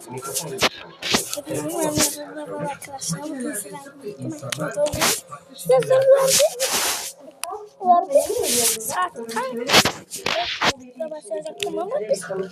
Merhaba arkadaşlar. Bugün size saat başlayacaktım ama biz saat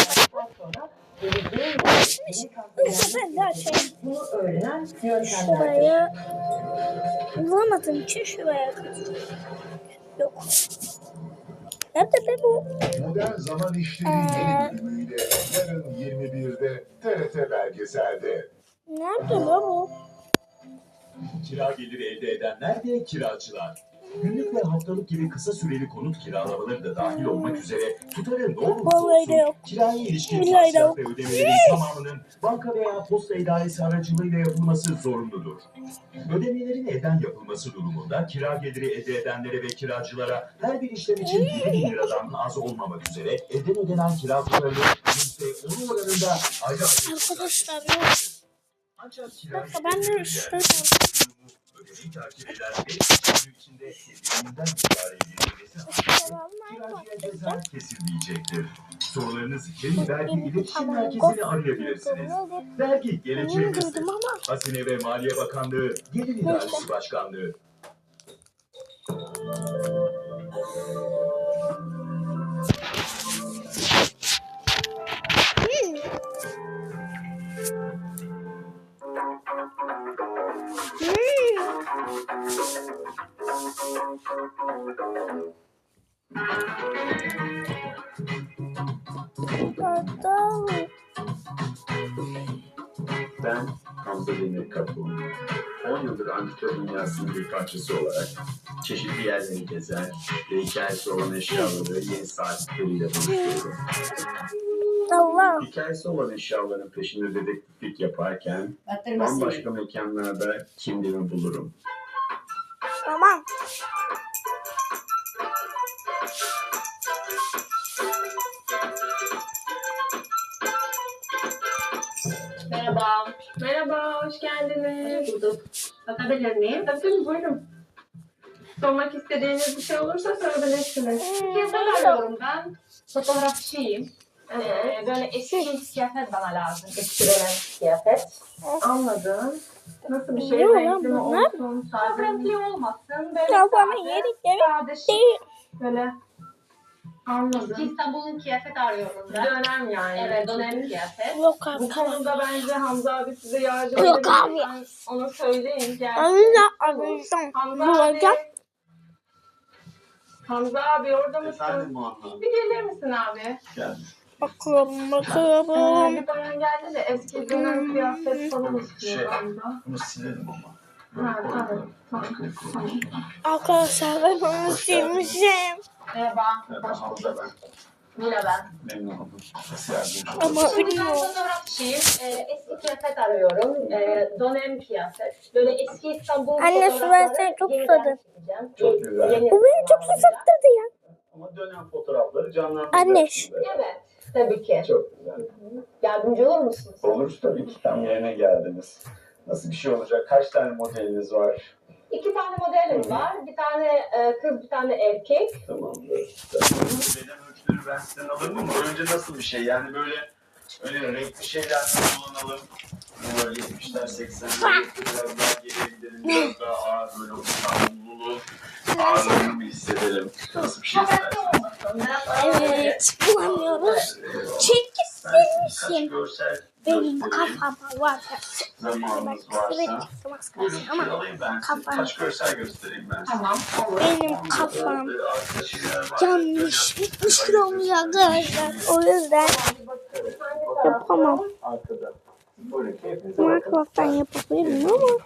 ben de açayım. Şuraya bulamadığım için şuraya yok. Nerede be bu? Modern Zaman İşleri yeni bölümüyle yarın 21'de TRT Belgesel'de. Nerede lan bu? Kira geliri elde edenler ve kiracılar. Günlük ve haftalık gibi kısa süreli konut kiralamaları da dahil olmak üzere tutarı ne olursa olsun kiraya ilişkin masraf ve ödemelerin tamamının banka veya posta idaresi aracılığıyla yapılması zorunludur. Ödemelerin elden yapılması durumunda kira geliri elde edenlere ve kiracılara her bir işlem için 7.000 liradan az olmamak üzere elden ödenen kira tutarının %10 oranında ayrı arkadaşlar yok. Ancak Bakın ben de şöyle ödemeyi takip eden ve içinde birbirinden idare edilmesi kiracıya ceza kesilmeyecektir. Sorularınız için vergi iletişim merkezini arayabilirsiniz. Vergi geleceğinizdir. Hazine ve Maliye Bakanlığı Gelir İdaresi Başkanlığı. Ben Hamza Demir Kaplan. 10 yıldır antika dünyasının bir parçası olarak çeşitli yerleri gezer ve hikayesi olan eşyaları yeni sahipleriyle buluştururum. Hikayesi olan eşyaların peşinde dedektiflik yaparken bambaşka mekanlarda kimliğimi bulurum. Tamam. Merhaba. Merhaba, hoş geldiniz. Bulduk. Bakabilir miyim? Tabii, buyurun. Sormak istediğiniz bir şey olursa sorabilirsiniz. Kıyafet arıyorum ben. Fotoğrafçıyım. Böyle eski kıyafet bana lazım. Eskilen kıyafet. Anladım. Nasıl bir şey? Renkli mi olsun? Çok renkli olmasın. Böyle sade. Böyle. Anladım. Eski İstanbul'un kıyafet arıyorum ben. Dönem yani. Evet, dönem kıyafet. Yok abi. Bu konuda bence Hamza abi size yardımcı edebilir. Yok abi. Onu söyleyin. Hamza abi orada mısın? Efendim Muhammed. Bir gelir misin abi? Geldim. Bakalım. Bir bayan geldi de eski dönem kıyafet falan istiyor galiba. Bunu silelim ama. Ha, tamam. Arkadaşlar ben onu silmişim. Merhaba. Hamza ben. Mila ben. Memnun oldum. Nasıl yardımcı Ama olursun? Ben bilmiyorum. fotoğrafçıyım. Eski kıyafet arıyorum. Dönem kıyafet. Böyle eski İstanbul Anne, su versene, çok susadım. Çok güzel. Bu beni çok susattırdı ya. Ama dönem fotoğrafları canlandıracak. Anne. Evet. Tabii ki. Çok güzel. Yardımcı olur musunuz? Olur tabii ki, tam yerine geldiniz. Nasıl bir şey olacak? Kaç tane modeliniz var? 2 tane modelim var. Bir tane kız, bir tane erkek. Tamamdır. Beden ölçüleri ben sizden alırım ama önce nasıl bir şey? Yani böyle öyle renkli şeyler kullanalım. Böyle 70'ler 80'ler biraz daha geriye gidelim. Biraz daha ağır böyle o İstanbullulu ağırlığını bir hissedelim. Nasıl bir şey istersiniz? Evet. Bulamıyoruz. Çünkü silmişim. Benim kafama var. Zamanınız varsa. Buyurun şöyle alayım ben size. Kaç görsel göstereyim ben size. Tamam. Benim kafam yanlış. 70 kilo oluyor arkadaşlar. O yüzden yapamam. Arkada. Buyurun keyfinize bakın. Minecraft'tan yapabilirim ama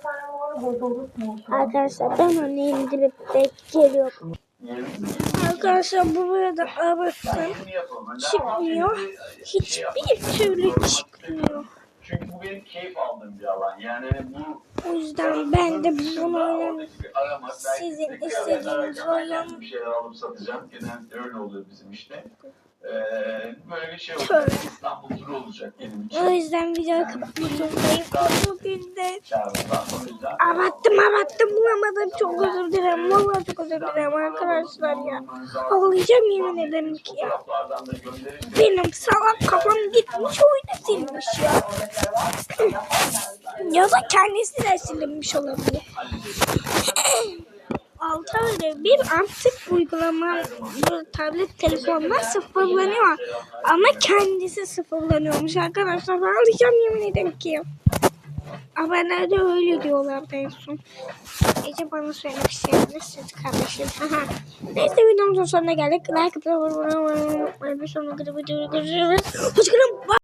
arkadaşlar ben onu indirip geliyorum. Arkadaşlar buraya da arasın. Çıkmıyor. Hiçbir türlü çıkmıyor. Çünkü bu benim keyif aldığım bir alan. Yani bu O yüzden ben de bunu oynamıyorum. aramak, Sizin istediğiniz oyun. bir şeyler alıp satacağım. Genelde öyle oluyor bizim işte. Böyle bir şey Şöyle. olacak. İstanbul turu olacak benim O yüzden videoyu kapatmak zorundayım. Bugün de Kağıttan o yüzden abattım bulamadım. Çok özür dilerim. Vallahi çok özür dilerim arkadaşlar ya. Ağlayacağım yemin ederim ki ya. fotoğraflardan da gönderin. Benim salak kafam gitmiş oyuna silmiş ya. Ya da kendisi de silinmiş olabilir. 6 ayda bir artık uygulama bu tablet telefonlar sıfırlanıyor. Ama kendisi sıfırlanıyormuş arkadaşlar. Ağlayacağım yemin ederim ki. Haberlerde öyle diyorlardı en son. Ece bana söylemek isteyebilirsiniz kardeşim. Aha. Neyse videomuzun sonuna geldik. Like atıp abone olmayı unutmayın. Bir sonraki videoda görüşürüz. Hoşçakalın.